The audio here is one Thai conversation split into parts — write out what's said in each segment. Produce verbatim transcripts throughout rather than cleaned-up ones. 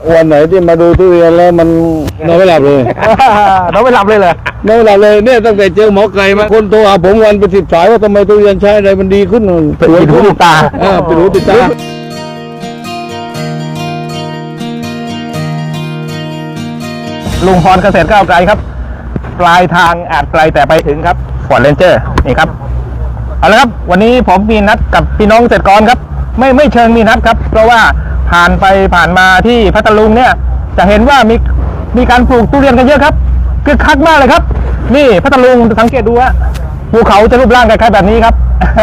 วันไหนที่มาดูทุเรียนแล้วมันนอนไม่หลับเลยนอนไม่หลับเลยเหรอนอนไม่หลับเลยเนี่ยตั้งแต่เจอหมอไก่มาคนโทรหาผมวันเป็นสิบสายว่าทำไมทุเรียนใช้อะไรมันดีขึ้นเป็นหูติดตาอ่าเป็นหูติดตาลุงพรเกษตรก้าวไกลครับปลายทางอาจไกลแต่ไปถึงครับฟอร์ดเรนเจอร์นี่ครับเอาละครับวันนี้ผมมีนัดกับพี่น้องเกษตรกรครับไม่ไม่เชิงมีนัดครับเพราะว่าผ่านไปผ่านมาที่พัทลุงเนี่ยจะเห็นว่ามีมีการปลูกทุเรียนกันเยอะครับคือคักมากเลยครับนี่พัทลุงสังเกตดูว่าภูเขาจะรูปร่างคล้ายๆแบบนี้ครับ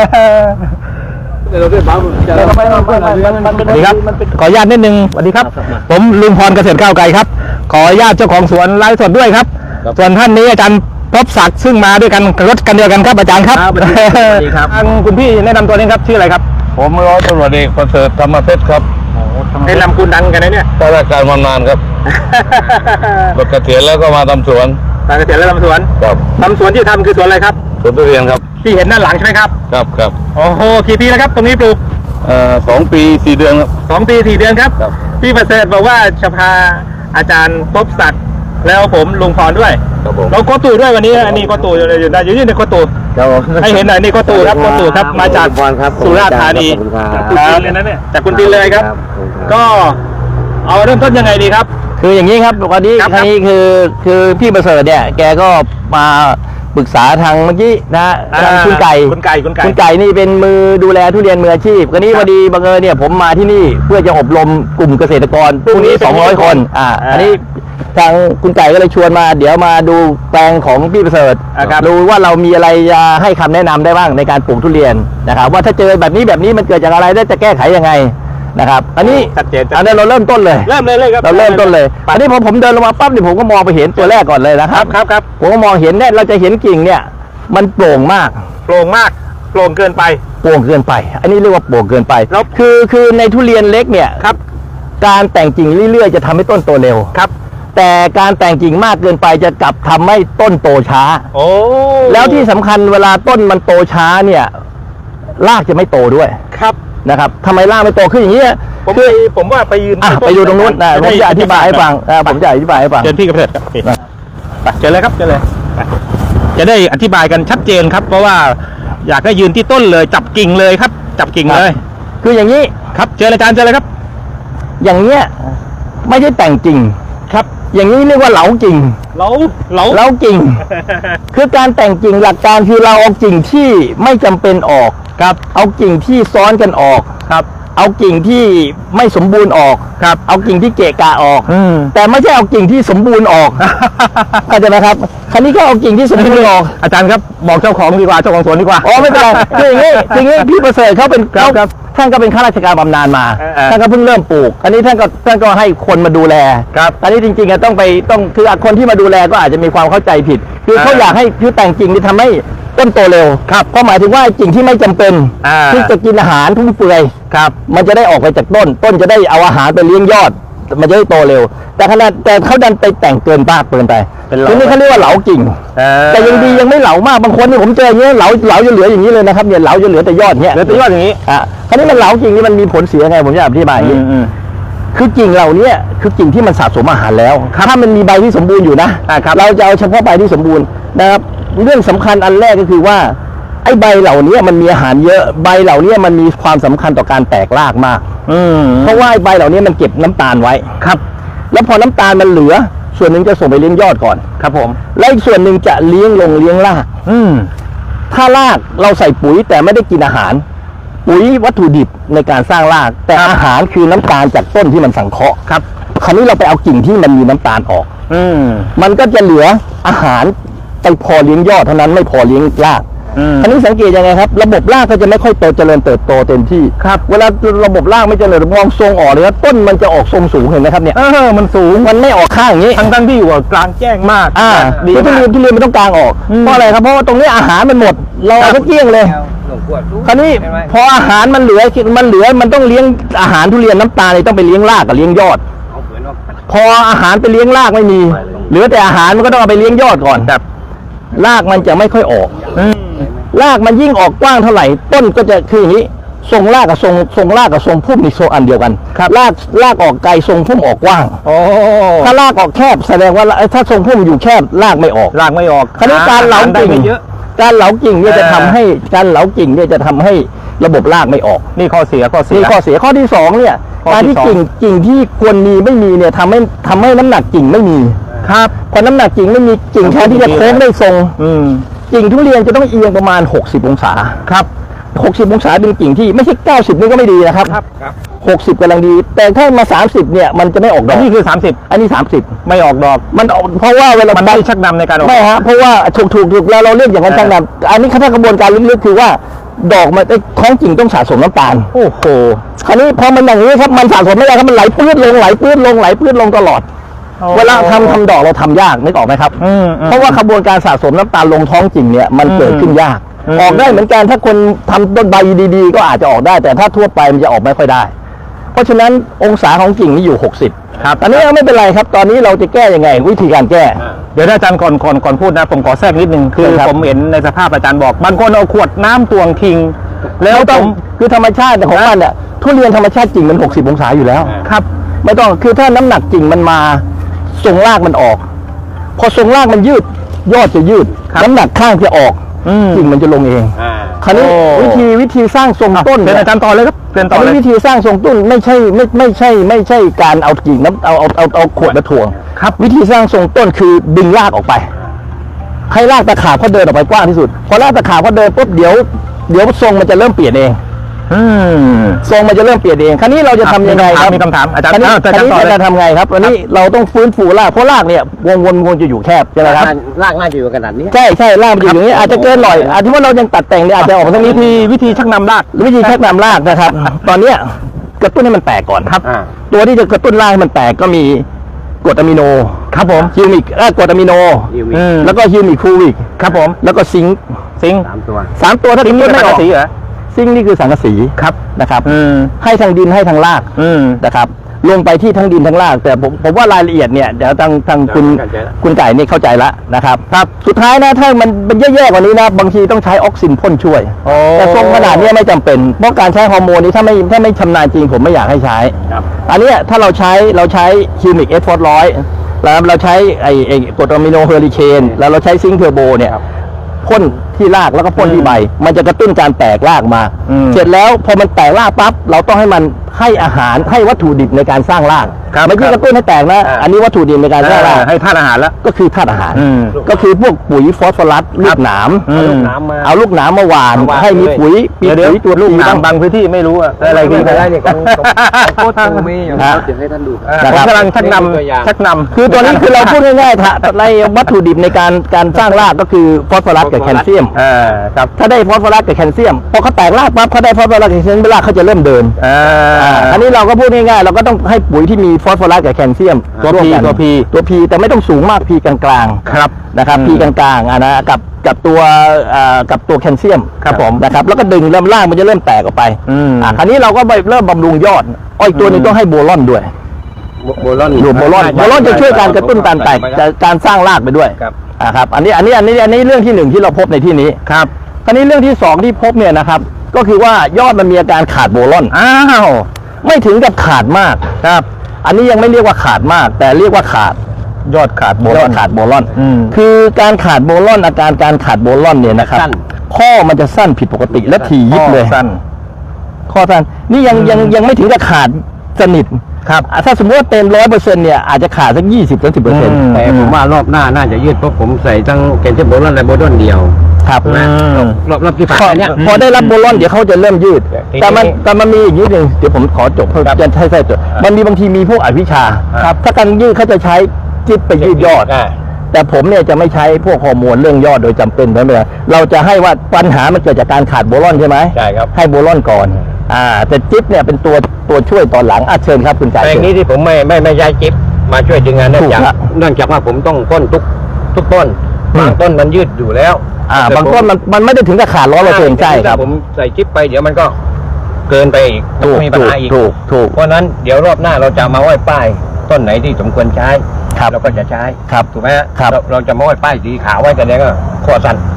เราได้บ้างจะเราไปเราไปเราสวัสดีครับขออนุญาตนิดนึงสวัสดีครับผมลุงพรเกษตรก้าวไกลครับขออนุญาตเจ้าของสวนไลฟ์สดด้วยครับส่วนท่านนี้อาจารย์พบศักดิ์ซึ่งมาด้วยกันรถกันเดียวกันครับอาจารย์ครับสวัสดีครับทางคุณพี่แนะนำตัวนี้ครับชื่ออะไรครับผมร้อยตำรวจเอกประเสริฐธรรมเพชรครับเป็นนำคุณดังกันนะเนี่ยข้าราชการมานานครับรถเกษียณแล้วก็มาทำสวนเกษียณแล้วทำสวนครับทำสวนที่ทำคือสวนอะไรครับสวนทุเรียนครับที่เห็นด้านหลังใช่ไหมครับครับครับโอ้โหกี่ปีแล้วครับตรงนี้ปลูกเอ่อสองปีสี่เดือนครับสองปีสี่เดือนครับพี่ประเสริฐบอกว่าจะพาอาจารย์พบศักดิ์แล้วผมลุงพรด้วยเราโคตูด้วยวันนี้อันนี้โคตูอยู่ในอยู่ในอยู่ในโคตูให้เห็นหน่อยนี่โคตูครับโคตูครับมาจากสุราษฎร์ธานีครับเลยนะเนี่ยจากคุณตินเลยครับก็เอาเริ่มต้นยังไงดีครับคืออย่างนี้ครับวันนี้ครั้งนี้คือคือพี่ประเสริฐเนี่ยแกก็มาปรึกษาทางเมื่อกี้นะทางคุณไก่คุณไก่คุณไก่คุณไก่นี่เป็นมือดูแลทุเรียนมืออาชีพก็นี้พอดีบังเอิญเนี่ยผมมาที่นี่เพื่อจะอบรมกลุ่มเกษตรกรพรุ่งนี้สองร้อยคนอ่าอันนี้ทางคุณไก่ก็เลยชวนมาเดี๋ยวมาดูแปลงของพี่ประเสริฐดูว่าเรามีอะไรจะให้คำแนะนำได้บ้างในการปลูกทุเรียนนะครับว่าถ้าเจอแบบนี้แบบนี้มันเกิดจากอะไรได้จะแก้ไขยังไงนะครับอันนี้ชัดเจนอันนี้เราเริ่มต้นเลยเริ่มเลยเลยครับเราเริ่มต้นเลยอันนี้พอผมเดินลงมาปั๊บเนี่ยผมก็มองไปเห็นตัวแรกก่อนเลยนะครับครับครับผมก็มองเห็นเนี่ยเราจะเห็นกิ่งเนี่ยมันโปร่งมากโปร่งมากโปร่งเกินไปโปร่งเกินไปอันนี้เรียกว่าโปร่งเกินไปแล้วคือคือในทุเรียนเล็กเนี่ยครับการแต่งกิ่งเรื่อยๆจะทำให้ต้นโตเร็วครับแต่การแต่งกิ่งมากเกินไปจะกลับทำให้ต้นโตช้าโอ้แล้วที่สำคัญเวลาต้นมันโตช้าเนี่ยรากจะไม่โตด้วยครับนะครับทำไมรากไม่โตขึ้นอย่างนี้ผมผมว่าไปยืนไปอยู่ตรงนู้นนะผมจะอธิบายให้ฟังผมจะอธิบายให้ฟังเชิญพี่กระเพาะครับไปเชิญเลยครับเชิญเลยจะได้อธิบายกันชัดเจนครับเพราะว่าอยากให้ยืนที่ต้นเลยจับกิ่งเลยครับจับกิ่งเลยคืออย่างนี้ครับเชิญอาจารย์เชิญเลยครับอย่างเนี้ยไม่ใช่แต่งกิ่งครับอย่างนี้เรียกว่าเหลากิ่งเหลาเหลาเหลากิ่งคือการแต่งกิ่งหลักการคือเราเอากิ่งที่ไม่จำเป็นออกครับเอากิ่งที่ซ้อนกันออกครับเอากิ่งที่ไม่สมบูรณ์ออกครับเอากิ่งที่เกะกะออกแต่ไม่ใช่เอากิ่งที่สมบูรณ์ออกเข้าใจไหมครับคราวนี้ก็เอากิ่งที่สมบูรณ์ออกอาจารย์ครับบอกเจ้าของดีกว่าเจ้าของสวนดีกว่าอ๋อไม่เป็นไรคืออย่างนี้อย่างนี้พี่ประเสริฐเขาเป็นครับท่านก็เป็นข้าราชการบำนาญมาท่านก็เพิ่งเริ่มปลูกอันนี้ท่านก็ท่านก็ให้คนมาดูแลครับอันนี้จริงๆต้องไปต้องคือคนที่มาดูแลก็อาจจะมีความเข้าใจผิดคือเขาอยากให้คือแต่งกิ่งที่ทำให้ต้นโตเร็วครับเพราะหมายถึงว่ากิ่งที่ไม่จำเป็นที่จะกินอาหารทุ่มเปื่อยครับมันจะได้ออกไปจากต้นต้นจะได้เอาอาหารไปเลี้ยงยอดมันจะได้โตเร็วแต่ขณะแต่เขาดันไปแต่งเกินมากเกินไปทีนี้เขาเรียกว่าเหลากิ่งแต่ยังดียังไม่เหลามากบางคนนี่ผมเจออย่างนี้เหลาเหลาจะเหลืออย่างนี้เลยนะครับเนี่ยเหลาจะเหลือแต่ยอดเนี้ยเหลือแต่ยอดอย่างนี้อ่ะคราวนี้มันเหลากิ่งนี่มันมีผลเสียไงผมจะอธิบายอย่างนี้คือกิ่งเหล่านี้คือกิ่งที่มันสะสมอาหารแล้วถ้ามันมีใบที่สมบูรณ์อยู่นะเราจะเอาเฉพาะใบที่สมบูรณ์นะครับเรื่องสำคัญอันแรกก็คือว่าไอ้ใบเหล่านี้มันมีอาหารเยอะใบเหล่านี้มันมีความสำคัญต่อการแตกรากมากเพราะว่าใบเหล่านี้มันเก็บน้ำตาลไว้ครับแล้วพอน้ำตาลมันเหลือส่วนหนึ่งจะส่งไปเลี้ยงยอดก่อนครับผมและอีกส่วนหนึ่งจะเลี้ยงลงเลี้ยงรากอืมถ้ารากเราใส่ปุ๋ยแต่ไม่ได้กินอาหารปุ๋ยวัตถุดิบในการสร้างรากแต่อาหารคือน้ำตาลจากต้นที่มันสังเคราะห์ครับคราวนี้เราไปเอากิ่งที่มันมีน้ำตาลออกอืมมันก็จะเหลืออาหารไปพอเลี้ยงยอดเท่านั้นไม่พอเลี้ยงรากอันนี้สังเกตยังไงครับระบบรากก็จะไม่ค่อยโตเจริญเติบโตเต็มที่ครับเวลาระบบรากไม่เจริญมองทรงออกเลยว่าต้นมันจะออกทรงสูงเห็นไหมครับเนี่ยเออมันสูงมันไม่ออกข้างอย่างนี้ทั้งทั้งที่อยู่กลางแจ้งมากอ่าดีทุเรียนทุเรียนมันต้องกลางออกเพราะอะไรครับเพราะว่าตรงนี้อาหารมันหมดเราเอาเกลี้ยงเลยคราวนี้พออาหารมันเหลือมันเหลือมันต้องเลี้ยงอาหารทุเรียนน้ำตาลต้องไปเลี้ยงรากกับเลี้ยงยอดพออาหารไปเลี้ยงรากไม่มีเหลือแต่อาหารมันก็ต้องเอาไปเลี้ยงยอดก่อนแบบรากมันจะไม่ค่อยออกรากมันยิ่งออกกว้างเท่าไหร่ต้นก็จะคืออย่างนี้ทรงรากกับทรงทรงรากกับทรงพุ่มนี่ทรงอันเดียวกันรากรากออกไกลทรงพุ่มออกกว้างโอ้ถ้ารากออกแคบแสดงว่าถ้าทรงพุ่มอยู่แคบรากไม่ออกรากไม่ออกคราวนี้การเหลาได้กิ่งไม่เยอะการเหลากิ่งเนี่ยจะทำให้การเหลากิ่งเนี่ยจะทำให้ระบบรากไม่ออกนี่ข้อเสียข้อเสียนี่ข้อเสียข้อที่สองเนี่ยข้อที่การที่สองกิ่งกิ่งที่ควรมีไม่มีเนี่ยทำให้ทำให้น้ำหนักกิ่งไม่มีครับพอน้ำหนักกิ่งไม่มีกิ่งแทนที่จะโค้งได้ทรงอืมกิ่งทุเรียนจะต้องเอียงประมาณหกสิบองศาครับหกสิบองศาเป็นกิ่งที่ไม่ใช่เก้าสิบนี่ก็ไม่ดีนะครับครับหกสิบกำลังดี แต่ถ้ามาสามสิบเนี่ยมันจะไม่ออกดอัอน กนี้คือสามสิบอันนี้สามสิบไม่ออกดอกมันออกเพราะว่าเวลามันไม่ชักนำในการออกไม่ฮะเพราะว่าถูกถูกถูกแล้วเราเรียกอย่างนั้นเออช่างนำอันนี้ถ้ากระบวนการลึกๆคือว่าดอกมันไอ้ท้องกิ่งต้องสะสมน้ำตาลโอ้โหคราวนี้พอมันอย่างนี้ครับมันสะสมไม่ได้ครับมันไหลปื้ดลงไหลปื้ดลงไหลปื้ดลงตลอด เวลาทำทำดอกเราทำยากนึกออกไหมครับอืมอืมเพราะว่าขบวนการสะสมน้ำตาลลงท้องกิ่งเนี่ยมันอืมเกิดขึ้นยากอืมออกได้เหมือนกันถ้าคนทำต้นใบดีๆ ก็อาจจะออกได้ แต่ถ้าทั่วไปมันจะออกไม่ค่อยได้ เพราะฉะนั้นองศาของกิ่งนี่อยู่หกสิบครับอันนี้ไม่เป็นไรครับ ตอนนี้เราจะแก้ยังไง วิธีการแก้เดี๋ยวนะอาจารย์ก่อนก่อนก่อนพูดนะผมขอแทรกนิดนึงคือครับผมเห็นในสภาพอาจารย์บอกบางคนเอาขวดน้ำตวงทิ้งแล้วไม่ต้ต้ออง งคือธรรมชาติของมันเนี่ยทุเรียนธรรมชาติกิ่งมันหกสิบองศาอยู่แล้วครับไม่ต้องคือถ้าน้ำหนักกิ่งมันมาทรงรากมันออก พอทรงรากมันยืด ยอดจะยืดครับน้ำหนักข้างจะออกอืมกิ่งมันจะลงเองคราวนี้โอ้วิธีวิธีสร้างทรงต้นเป็นเนี่ยอาจารย์ต่อเลยครับเป็นต่อัอน เลนี้ยวิธีสร้างทรงต้นไม่ใช่ไม่ไม่ใช่ ไม่ใช่การเอากิ่งน้ำเอาเอาเอาเอาขวดมาถ่วงครับวิธีสร้างทรงต้นคือดึงรากออกไป ให้รากตะขาบเขาเดินออกไปกว้างที่สุดพอรากตะขาบเขาเดินปุ๊บเดี๋ยวเดี๋ยวทรงมันจะเริ่มเปลี่ยนเองอืมทรงมันจะเริ่มเปลี่ยนเอง คราวนี้เราจะทำยังไงครับมีคำถามอาจารย์คราวนี้อ้าวอาจารย์คราวนี้ต่อเลยจะทำไงครับวันนี้เราต้องฟื้นฟูราก เพราะรากเนี่ยวงวนวงจะอยู่แคบใช่ไหมครับลากน่าจะอยู่ขนาดนี้ใช่ใช่รากมันอยู่อย่างนี้อาจจะเกินหน่อยอาจจะว่าเรายังตัดแต่งเนี่ยอาจจะออกมาทางนี้วิธีที่วิธีชักนำรากวิธีชักนำรากนะครับ ตอนเนี้ยกระตุ้นให้มันแตกก่อนครับอ่าตัวที่จะกระตุ้นรากให้มันแตกก็มีกรดอะมิโนครับผมฮิวมิกเอ่อกรดอะมิโนฮิวมิกอืมแล้วก็ฮิวมิกคูวิกครับผมแล้วก็ซิงค์ซิงค์สามตัวสามตัวถ้าซิงค์ทิ้นี่งเป็นไม่สังออกกะสีเหรอซิงค์นี่คือสังกะสีครับนะครับอืมให้ทางดินให้ทางรากอืมนะครับลงไปที่ทั้งดินทั้งราก แต่ผมผมว่ารายละเอียดเนี่ยเดี๋ยวทางทางคุณเข้าใจละคุณไก่นี่เข้าใจละนะครับครับสุดท้ายนะถ้ามันมันแย่ๆกว่านี้นะบางทีต้องใช้ออกซินพ่นช่วยโอ้แต่ทรงขนาดเนี้ยไม่จำเป็นเพราะการใช้ฮอร์โมนนี้ถ้าไม่ถ้าไม่ชำนาญจริงผมไม่อยากให้ใช้ครับอันเนี้ยถ้าเราใช้เราใช้ฮิวมิกเอสฟอร์ร้อยแล้วเราใช้ไอ้ไอ้กรดอะมิโนเฮอริเคนแล้วเราใช้ซิงค์เทอร์โบเนี่ยพ่นที่รากแล้วก็พ่นที่ใบ มันจะกระตุ้นการแตกรากมาอืมเสร็จแล้วพอมันแตกรากปั๊บเราต้องให้มันให้อาหารให้วัตถุดิบในการสร้างรากครับไม่ใช่กระตุ้นให้แตกนะอ่าอันนี้วัตถุดิบในการสร้างรากให้ธาตุอาหารแล้วก็คือธาตุอาหารอืมก็คือพวกปุ๋ยฟอสฟอรัสลูกหนามอืมลูกน้ำมาเอาลูกหนามมาหว่านมาหว่านให้มีเลยปุ๋ยมีเดี๋ยวเดี๋ยวปุ๋ยตัวลูกทีหนามบ้างบางพื้นที่ไม่รู้อะอะไรไม่กินเป็นไรเนี่ยของของโคตรตูมีอยู่ฮะเดี๋ยวให้ท่านดูอ่านะผครัมบกำลังชักนตัวอย่างำชักนำคือตัวนี้คือเราพูดง่ายๆถ้าในวัตถุดิบในการการสร้างรากก็คือฟอสฟอรัสกับแคลเซียมเออครับถ้าได้ฟอสฟอรัสกับแคลเซียมพอเขาแตกรากปั๊บเขาได้ฟอสฟอรัสกับแคลเซียมรากเขาจะเริ่มเดินเอออันนี้เราก็พูดง่ายๆเราก็ต้องให้ปุ๋ยที่มีฟอสฟอรัสกับแคลเซียมตัวร่ม P กันตัว P ตัวพีแต่ไม่ต้องสูงมากพีกลางๆครับนะครับอืมพีกลางๆอ่ะนะกับกับตัวอ่ากับตัวแคลเซียมครับผมนะครับแล้วก็ดึงเริ่มล่างมันจะเริ่มแตกออกไปอืมอ่ะคราวนี้เราก็ไปเริ่มบำรุงยอดอ้อยตัวหนึงต้องให้โบลอนด้วยโบลอนดูโบลอนโบลอนจะช่วยการกระตุ้นการแตกจะการสร้างรากไปด้วยครับอ่าครับอันนี้อันนี้อันนี้อันนี้เรื่องที่หนึ่งที่เราพบในที่นี้ครับคราวนี้เรื่องที่สองที่พบเนี่ยนะครับก็คือว่ายอดมันมีอาการขาดโบลอนอ้าวไม่ถึงกับขาดมากครับ อันนี้ยังไม่เรียกว่าขาดมาก แต่เรียกว่าขาดยอดขาดโบยลออดนขาดโบลอนอืมคือการขาดโบลอนอาการการขาดโบลอนเนี่ยนะครับสั้นข้อมันจะสั้นผิดปกติและถี่ยิบเลยสั้นข้อสั้นนี่ยังยังยังไม่ถึงกับขาดสนิทครับอ่ะถ้าสมมติว่าเต็มร้อยเปอร์เซ็นต์เนี่ยอาจจะขาดสักยี่สิบถึงสิบเปอร์เซ็นต์อืมแต่ผมว่ารอบหน้าน่าจะยืดเพราะผมใส่ทั้งแกนเชฟโบลอนและโบลอนเดียวครับนะอืมรอบรอบที่ผ่านพอมาเนี่ยพอได้รับโบลอนเดี๋ยวเขาจะเริ่มยืดทีนี้แต่มันแต่มันมีอีกนิดหนึ่งเดี๋ยวผมขอจบเพื่อจะใช่ใช่จบมันมีบางทีมีพวกอวิชชาครับถ้าการยืดเขาจะใช้จิตไปยืดยอดอ่าแต่ผมเนี่ยจะไม่ใช้พวกฮอร์โมนเรื่องยอดโดยจำเป็นไม่เป็นไรเราจะให้ว่าปัญหามันเกิดจากการขาดโบลอนใช่ไหมใช่ครับให้โบลอนก่อน อ่า แต่จิ๊บเนี่ยเป็นตัวตัวช่วยตอนหลังอ่ะเชิญครับคุณจ่ายแปลงเชิญนี้ที่ผมไม่ไม่ไม่ย้ายจิ๊บมาช่วยดึงงานเนื่องจากถูกครับเนื่องจากว่าผมต้องพ่นทุกทุกต้นอืมบางต้นมันยืดอยู่แล้วอ่าแต่บางต้นมันมันไม่ได้ถึงกับขาดร้อยเปอร์เซ็นต์ใช่ครับถ้าผมใส่จิ๊บไปเดี๋ยวมันก็เกินไปอีกถูกมีปัญถูกหาอีกถูกถูกเพราะฉะนั้นเดี๋ยวรอบหน้าเราจะมาไหว้ป้ายต้นไหนที่สมควรใช้ครับเราก็จะใช้ครับถูกไหมฮะครับเราเราจะมาไหว้ป้ายสีขาวไว้แต่เนี้ยก็ข้อสั้น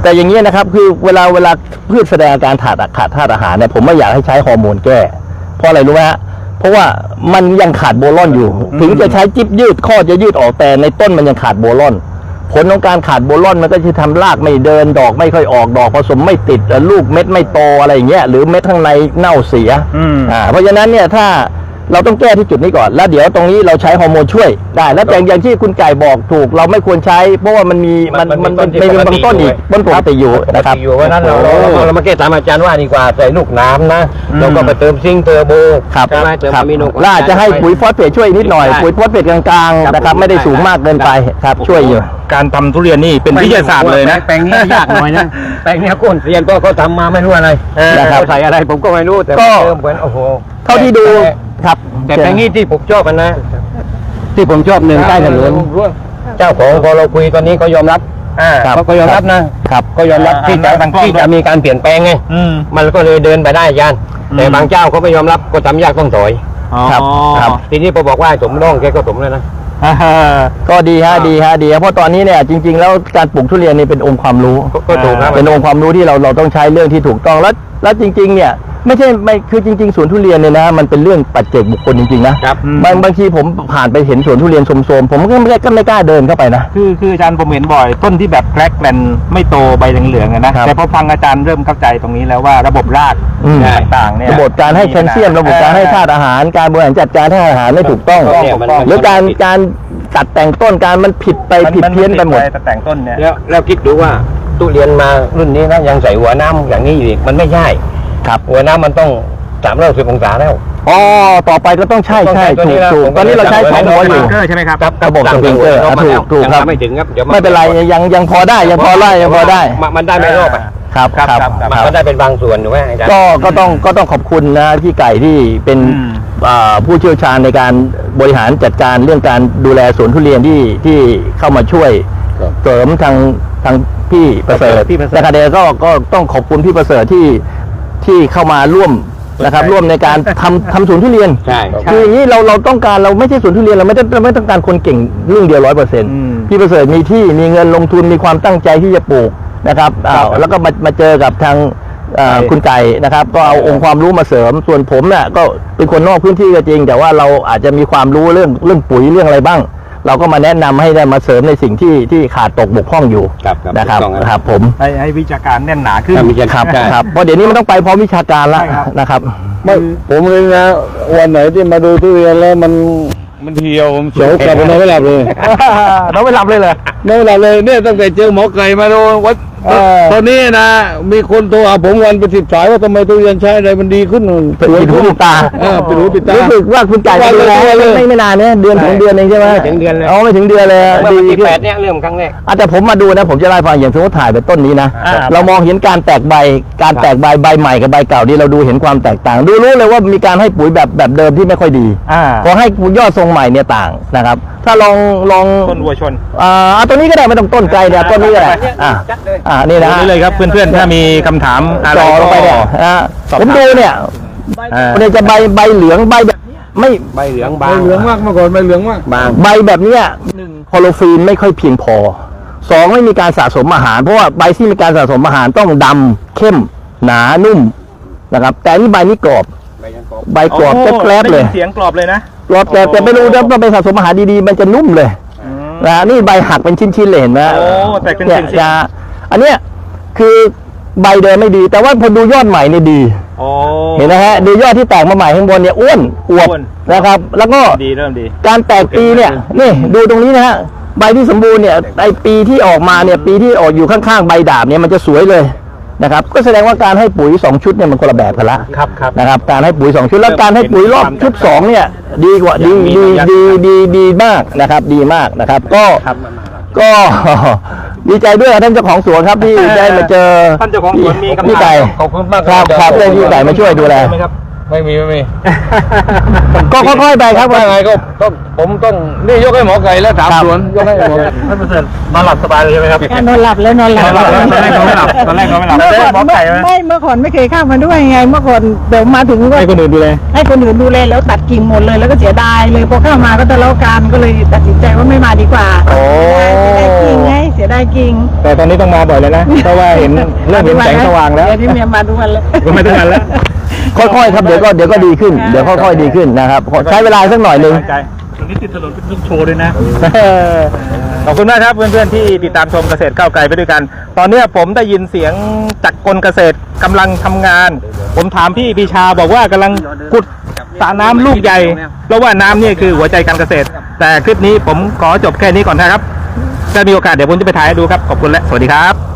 แต่อย่างนี้ยนะครับคือเวลาเวลาพืชแสดงอาการขาดขาดธาตุอาหารเนี่ยผมไม่อยากให้ใช้ฮอร์โมนแก้เพราะอะไรรู้ไหมฮะเพราะว่ามันยังขาดโบรอนอยู่ ถึงจะใช้จิ๊บยืดข้อจะยืดออกแต่ในต้นมันยังขาดโบรอน ผลของการขาดโบรอนมันก็จะทำรากไม่เดินดอกไม่ค่อยออกดอกผสมไม่ติดลูกเม็ดไม่โตอะไรอย่างเงี้ยหรือเม็ดข้างในเน่าเสียอ่าเพราะฉะนั้นเนี่ยถ้าเราต้องแก้ที่จุดนี้ก่อนแล้วเดี๋ยวตรงนี้เราใช้ฮอร์โมนช่วยได้แล้วแต่อย่างที่คุณไก่บอกถูกเราไม่ควรใช้เพราะว่ามันมีมันมันมันมีบางต้นอีกต้นปกติอยู่นะครับอยู่เพราะนั้นเราเราเรามาแก้ตามอาจารย์ว่าดีกว่าใส่ลูกน้ำนะเราก็ไปเติมซิงค์เทอร์โบครับใช่ไหมเติมครับอะมิโนล่าจะให้ปุ๋ยฟอสเฟตช่วยนิดหน่อยปุ๋ยฟอสเฟตกลางๆนะครับไม่ได้สูงมากเกินไปครับช่วยอยู่การทำทุเรียนนี่เป็นวิทยาศาสตร์เลยนะแปลงนี้ยากหน่อยนะแปลงนี้ก้นเรียนก็เขาทำมาไม่รู้อะไรนะครับเขาใส่อะไรผมก็ไม่รู้แต่ก็เติมเหมือนโอ้โหเท่าที่ดูครับแต่แปลงนี้ที่ผมชอบมันนะ ที่ผมชอบหนึ่งใต้ถนนเจ้าของพอเราคุยตอนนี้เขายอมรับอ่าเขาก็ยอมรับนะครับ ก็ยอมรับอ่าที่จะทางกล้องที่จะมีการเปลี่ยนแปลงไงอืมมันก็เลยเดินไปได้อาจารย์อืมแต่บางเจ้าเขาไม่ยอมรับก็ทำยากต้องถอยครับครับทีนี้พอบอกว่าให้สมร่องแกก็สมเลยนะอ่าฮะก็ดีฮะดีฮะดีฮะเพราะตอนนี้เนี่ยจริง ๆ แล้วการปลูกทุเรียนนี่เป็นองค์ความรู้ก็ก็ถูกครับเป็นองค์ความรู้ที่เราเราต้องใช้เรื่องที่ถูกต้องแล้วแล้วจริง ๆ เนี่ยไม่ใช่ไม่คือจริง ๆสวนทุเรียนเนี่ยนะมันเป็นเรื่องปัจเจกบุคคลจริงๆนะครับ บางบางทีผมผ่านไปเห็นสวนทุเรียนโทรมๆผมก็ไม่ก็ไม่กล้าเดินเข้าไปนะคือคืออาจารย์ผมเห็นบ่อย ต้นที่แบบแกลกแกลนไม่โตใบเหลืองๆอะนะครับ แต่พอฟังอาจารย์เริ่มเข้าใจตรงนี้แล้วว่าระบบรากอืมต่างๆเนี่ยระบบการให้แคลเซียมระบบการให้ธาตุอาหารการบริหารจัดการธาตุอาหารไม่ถูกต้องเนี่ยมันหรือการการตัดแต่งต้นการมันผิดไปผิดเพี้ยนไปหมดแต่แต่งต้นเนี่ยแล้วแล้วคิดดูว่าตู้เรียนมารุ่นนี้นะยังใส่หัวน้ำอย่างนี้อยู่อีกมันไม่ใช่ครับหัวน้ำมันต้องสามร้อยสิบองศาแล้วอ๋อต่อไปก็ต้องใช่ใช่ต้องถูใช้กตัวนี้ถูกแล้วตอนนี้เราใช้สองหัวอยู่เกอร์ใช่ไหมครับระบบสปริงเกอร์อ่ะถูกถูกครับยังไม่ถึงครับเดี๋ยวไม่เป็นไรยังยังพอได้ยังพอไล่ยังพอได้มันมันได้ไม่รอบอ่ะครับครับครับมันมันได้เป็นบางส่วนถูกไหมอาจารย์ก็ก็ต้องก็ต้องขอบคุณนะพี่ไก่ที่เป็นอืมอ่าผู้เชี่ยวชาญในการบริหารจัดการเรื่องการดูแลสวนทุเรียนที่ที่เข้ามาช่วยครับเสริมทางทางพี่ประเสริฐพี่ประเสริฐนะครับเดก็ก็ต้องขอบคุณพี่ประเสริฐที่ที่เข้ามาร่วมนะครับ ร่วมในการทำทำสวนทุเรียนใช่คืออย่างนี้เราเราต้องการเราไม่ใช่สวนทุเรียนเราไม่ได้เราไม่ต้องการคนเก่งเรื่องเดียวร้อยเปอร์เซ็นต์อืมพี่ประเสริฐมีที่มีเงินลงทุนมีความตั้งใจที่จะปลูกนะครับอ้าวแล้วก็มามาเจอกับทางเอ่อคุณไก่นะครับ ก็เอาองค์ความรู้มาเสริมส่วนผมเนี่ยก็เป็นคนนอกพื้นที่ก็จริง แต่ว่าเราอาจจะมีความรู้เรื่องเรื่องปุ๋ยเรื่องอะไรบ้าง เราก็มาแนะนำให้ได้มาเสริมในสิ่งที่ที่ขาดตกบกพร่องอยู่ครับครับนะครับถูกต้องครับนะครับผมให้ให้วิชาการแน่นหนาขึ้นครับวิชาครับใช่ครับเพราะเดี๋ยวนี้มันต้องไปพร้อมวิชาการแล้วใช่ครับนะครับไม่ผมเลยนะวันไหนที่มาดูทุเรียนแล้วมันมันเหี่ยวผมเฉยกลับไปนอนไม่หลับเลยเราไม่รับเลยเลยนอนไม่หลับเลยเนี่ยตั้งแต่เจอหมอไก่มาดูวัดเออตอนนี้นะมีคนโทรหาผมวันเป็นสิบสายว่าทำไมทุเรียนใช้อะไรมันดีขึ้นเป็นหูติดตาเออเป็นหูติดตารู้สึกว่าคุณไก่ดูแลว่าเลยไม่ไม่นานเนี่ยเดือนถึงเดือนเองใช่ไหมไม่ถึงเดือนเลยอ๋อไม่ถึงเดือนเลยเมื่อวันที่ขึ้นแปดเนี่ยเริ่มครั้งแรกอ่ะแต่ผมมาดูนะผมจะไล่าให้ฟังอย่างสมมติถ่ายไปต้นนี้นะอ่าเรามองเห็นการแตกใบการแตกใบใบใหม่กับใบเก่านี่เราดูเห็นความแตกต่าง ดูรู้เลยว่ามีการให้ปุ๋ยแบบแบบเดิมที่ไม่ค่อยดีอ่าพอให้ยอดทรงใหม่เนี่ยต่างนะครับ ถ้าลองลองต้นวัวชนอ่าเอาตัวนี้ก็ได้ไม่ต้องต้นไกลเนี่ยต้นนี้ก็ได้อ่าอ่านี่นะนี่เลยครับเพื่อนๆถ้ามีคำถามอะไรจ่อลงไปเนี่ยนะสอบผมถามดูเนี่ยอ่ามันจะใบใบเหลืองใบแบบไม่ใบเหลืองใบบางเหลืองมากเมื่อก่อนใบเหลืองมากบางใบแบบเนี้ยหนึ่งคลอโรฟิลไม่ค่อยเพียงพอสองไม่มีการสะสมอาหารเพราะว่าใบที่มีการสะสมอาหารต้องดำเข้มหนานุ่มนะครับ แต่นี่ใบนี้กรอบใบยังกรอบใบกรอบแกรบๆเลยได้นเสียงกรอบเลยนะกรอบแต่แต่ไม่รู้นะว่าไปสะสมอาหารดีๆมันจะนุ่มเลยนะนี่ใบหักเป็นชิ้นๆเลยเห็นไหมโอ้แตกเป็นเนี่ยชิ้นๆจะอันเนี้ยคือใบเดิมไม่ดี แต่ว่าพอดูยอดใหม่เนี่ยดีโอ้เห็นไหมฮะดูยอดที่แตกมาใหม่ข้างบนเนี่ยอ้วนอวบอ้วนนะครับ แล้วก็ดีเริ่มดีการแตกปีเนี่ยนี่ดูตรงนี้นะฮะใบที่สมบูรณ์เนี่ยไอปีที่ออกมาเนี่ยปีที่ออกอยู่ข้างๆใบดาบเนี่ยมันจะสวยเลยนะครับ ก็แสดงว่าการให้ปุ๋ยสองชุดเนี่ยมันคนละแบบกันละครับครับนะครับ การให้ปุ๋ยสองชุดแล้วการให้ปุ๋ยรอบชุดสองเนี่ยดีกว่าดีดีดีดีดีมากนะครับ ดีมากนะครับ ก็ก็ ดีใจด้วยกับท่านเจ้าของสวนครับที่ได้มาเจอท่านเจ้าของสวนมีคำถามพี่ไก่ขอบคุณมากครับครับได้พี่ไก่มาช่วยดูแลไหมครับไม่มีไม่มีก็ค่อยๆไปครับว่าไงก็ต้องผมต้องนี่ยกให้หมอไก่แล้วถามครับสวนยกให้หมอไก่ท่านประเสริฐนอนหลับสบายเลยใช่ไหมครับนอนหลับแล้วนอนหลับตอนแรกเขาไม่หลับตอนแรกเขาไม่หลับเมื่อก่อนหมอไก่ไหมไม่เมื่อก่อนไม่เคยเข้ามาด้วยไง เมื่อก่อนเดี๋ยวมาถึงก็ให้คนอื่นดูเลยให้คนอื่นดูแลแล้วตัดกิ่งหมดเลยแล้วก็เสียดายเลยพอเข้ามาก็ทะเลาะกันก็เลยตัดสินใจว่าไม่มาดีกว่าโอ้เสียดายกิ่งไงเสียดายกิ่งแต่ตอนนี้ต้องมาบ่อยเลยนะ เพราะว่าเห็นเริ่มเห็นแสงสว่างแล้วเดี๋ยวนี้เมียมาทุกวันแล้วก็ไม่ต้องกันแล้วค่อยๆครับเดี๋ยวก็เดี๋ยวก็ดีขึ้นเดี๋ยวค่อยๆดีขึ้นนะครับใช้เวลาสักหน่อยหนึ่งตรงนี้ติดถนนเป็นลูกโชว์ด้วยนะ ขอบคุณมากครับเพื่อนๆที่ติดตามชมเกษตรก้าวไกลไปด้วยกัน ตอนนี้ผมได้ยินเสียงจักรกลเกษตรกำลังทำงาน ผมถามพี่ปีชาบอกว่ากำลังขุดสระน้ำลูกใหญ่ เพราะว่าน้ำนี่คือหัวใจการเกษตร แต่คลิปนี้ผมขอจบแค่นี้ก่อนนะครับถ้ามีโอกาสเดี๋ยวผมจะไปถ่ายให้ดูครับ ขอบคุณและสวัสดีครับ